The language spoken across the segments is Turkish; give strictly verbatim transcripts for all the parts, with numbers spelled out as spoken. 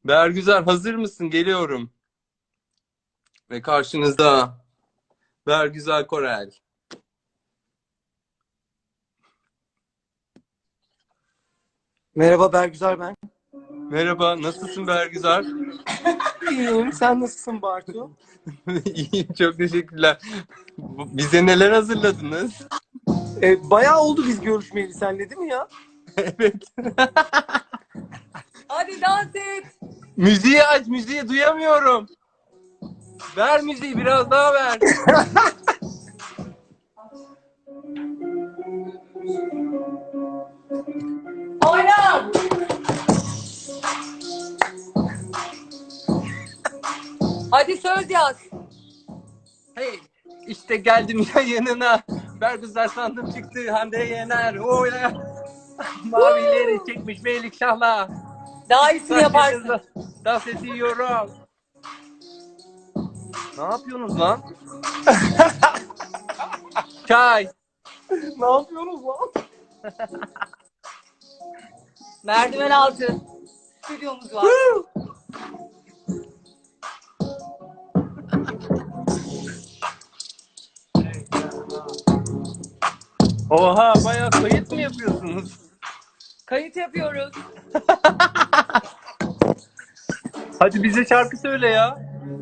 Bergüzar hazır mısın? Geliyorum. Ve karşınızda Bergüzar Korel. Merhaba Bergüzar ben. Merhaba, nasılsın Bergüzar? İyiyim. Sen nasılsın Bartu? İyiyim, çok teşekkürler. Bu- Bize neler hazırladınız? E, bayağı oldu biz görüşmeyeli senle değil mi ya? Evet. Hadi dans et. Müziği aç, müziği duyamıyorum. Ver müziği, biraz daha ver. Oyna. Hadi söz yaz. Hey, işte geldim ya yanına. Bergüzar sandım çıktı, Hande Yener. Oyna. Mavileri çekmiş Melik Şah'la. Daha iyisini yaparsın. Dans ediyorum. Ne yapıyorsunuz lan? Çay. Ne yapıyorsunuz lan? Merdiven altı. Stüdyomuz var. Oha, bayağı kayıt mı yapıyorsunuz? Kayıt yapıyoruz. Hadi bize şarkı söyle ya.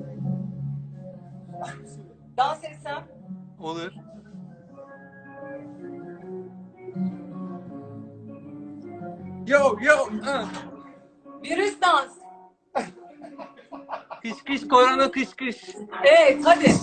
Dans etsem. Olur. Yo yo. ah. Virüs dans. Kış kış korona kış kış. Evet hadi.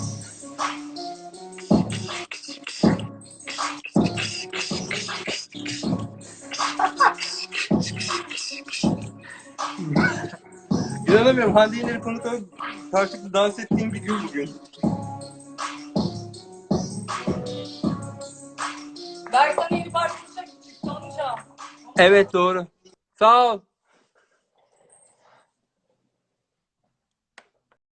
İnanamıyorum, Hande Yener'i konuk alıp karşılıklı dans ettiğim bir gün bugün. Berksan yeni parçası çalacağım. Evet, doğru. Sağ ol.